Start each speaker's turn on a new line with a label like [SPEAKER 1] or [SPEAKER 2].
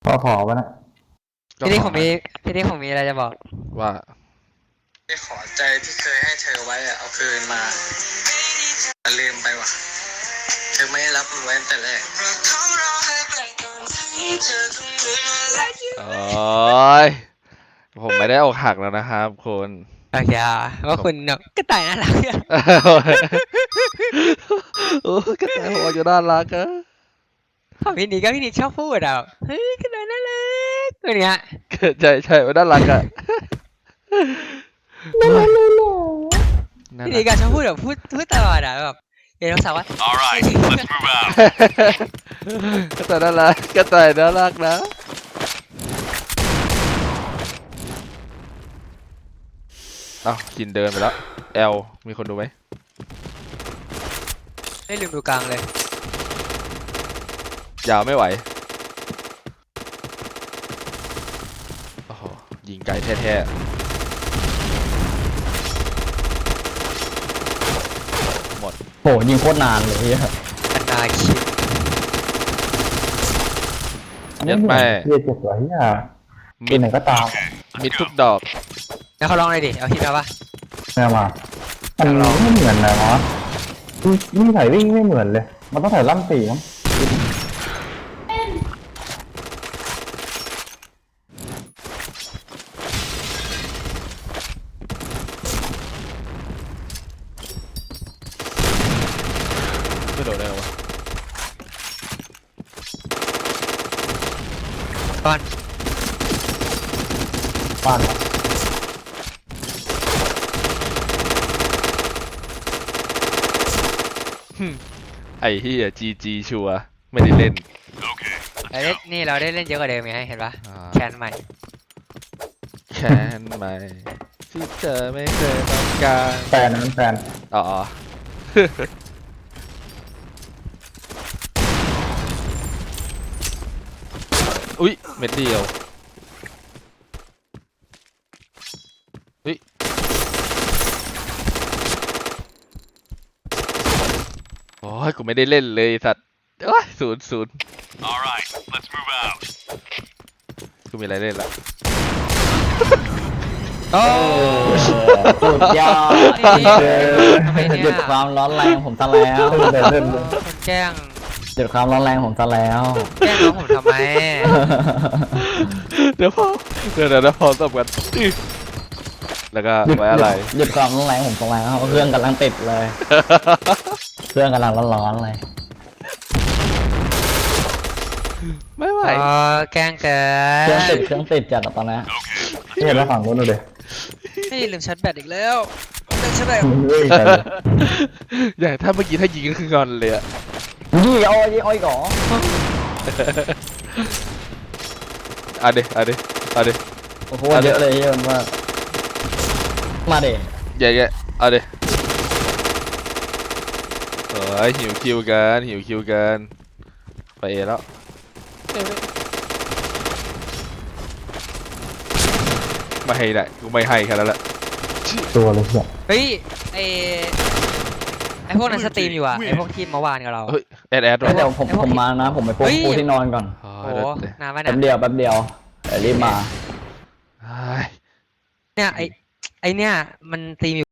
[SPEAKER 1] พอวะนะ
[SPEAKER 2] พี่นี่ผมมีอะไรจะบอก
[SPEAKER 3] ว่า
[SPEAKER 4] ไม่ขอใจที่เคยให้เธอไว้อะเอาคืนมาแต่ลืมไปว่ะเธอไม่รับมันไว้ตั้งแต่แรก
[SPEAKER 3] โอ้ยผมไม่ได้อกหักแล้วนะครับคุณ
[SPEAKER 2] โอเคว่าคุณก็ตายน่ารัก
[SPEAKER 3] โอ้ก็แต่หัวจะน่ารักอะ
[SPEAKER 2] ของพี่นิกชอบพูดเฮ้ยก็ตายน่ารักตัวเนี้ย
[SPEAKER 3] ใช่มันน่ารักอะ
[SPEAKER 2] พี่นิกก็ชอบพูดพูดตลอดแบบเดี๋ยวเราสาวว่า
[SPEAKER 5] Alright, let's move out.
[SPEAKER 3] ก็แต่น่ารักนะเอ้าจินเดินไปแล้วแอลมีคนดูไหม
[SPEAKER 2] ไม่ลืมดูกลางเลย
[SPEAKER 3] ยาวไม่ไหวโอ้โหยิงไกลแท้ๆหมด
[SPEAKER 1] โหยิงโคตรนานเลยเฮีย
[SPEAKER 2] อันนาคิด
[SPEAKER 3] ยัดแม่
[SPEAKER 1] เฮียเจ็บหัวเฮียกินไหนก็ตาม
[SPEAKER 3] มิดทุกดอก
[SPEAKER 2] แล้วเขาลองเลยดิเอาคิดมาปะ
[SPEAKER 1] แม่มามันไม่เหมือนนะวะนี่ใส่วิ่งไม่เหมือนเลยมันต้องใส่ล่ำปีมั้ง
[SPEAKER 3] ไม่โดนได้หรอวะ
[SPEAKER 2] ก่อน
[SPEAKER 1] บ้าน
[SPEAKER 3] ไอ้เฮียจีชัวร์ไม่ได้เล่น
[SPEAKER 5] Okay,
[SPEAKER 2] เราได้เล่นเยอะกว่าเดิมไงเห็นปะ
[SPEAKER 3] อ่า
[SPEAKER 2] แคนใหม่
[SPEAKER 3] แค้นไหมที่เธอไม่เคยต้องการ
[SPEAKER 1] แฟนนั้นแฟน
[SPEAKER 3] อ๋อ อุ๊ยเม็ดเดียวอุ๊ยโอ้ยกูไม่ได้เล่นเลยสัตว์โอ้ยศูนย์
[SPEAKER 5] alright, let's move out.
[SPEAKER 3] กูมีอะไรเล่นละ
[SPEAKER 2] โอ้
[SPEAKER 1] สุดยอด
[SPEAKER 2] ทำไมเนี่ย
[SPEAKER 1] หยุดความร้อนแรงผมซะแล้ว
[SPEAKER 2] คนแกล้ง
[SPEAKER 1] หยุดความร้อนแรงผมซะแล้ว
[SPEAKER 2] แกล้งน้องผมทำไม
[SPEAKER 3] เดี๋ยวพอเดี๋ยวพอตบกันอื้อแล้วก็ไว้อะไร
[SPEAKER 1] หยุดความร้อนแรงผมซะแล้วเครื่องกำลังติดเลย เครื่องกำลังร้อนๆเลย
[SPEAKER 3] ไม่ไหว
[SPEAKER 2] อ๋อแกล้งเกิ
[SPEAKER 1] เครื่องติดจัดอะตอนนี้
[SPEAKER 5] Okay,
[SPEAKER 1] เห็นแล้วฝั่งนู้นเลย
[SPEAKER 2] ไม่ลืมชาร์จแบตอีกแล้วลืมชาร์จแบต
[SPEAKER 3] อย่างถ้าเมื่อกี้ถ้ายิงก็คืองอนเลยอะ
[SPEAKER 1] ยี่อ้อยก่อ
[SPEAKER 3] เอาดิ
[SPEAKER 1] โอ้โหเยอะเลยเยอะมากมาเด็
[SPEAKER 3] แย่เอาดิเฮ้ยหิวคิวกันไปเอแล้วไม่ให้ได้กูไม่ให้แค่นั้นแหละ
[SPEAKER 1] ตัวเลยเนี่ย
[SPEAKER 2] เฮ้ยไอพวกนั้นสตรีมอยู่ไอพวกทีมเมื่อวานกับเรา
[SPEAKER 3] เฮ้ยแอด
[SPEAKER 1] เดี๋ยวผมมานะผมไปปูที่นอนก่อน
[SPEAKER 3] โอ้
[SPEAKER 2] โอ้
[SPEAKER 3] ย
[SPEAKER 2] โห
[SPEAKER 3] เดี๋ยวน
[SPEAKER 2] านไหม
[SPEAKER 1] แป๊บ
[SPEAKER 2] นะ
[SPEAKER 1] เดียวเดี๋ยวรีบมา
[SPEAKER 3] เฮ้ย
[SPEAKER 2] เนี่ยไอเนี่ยมันสตรีมอยู่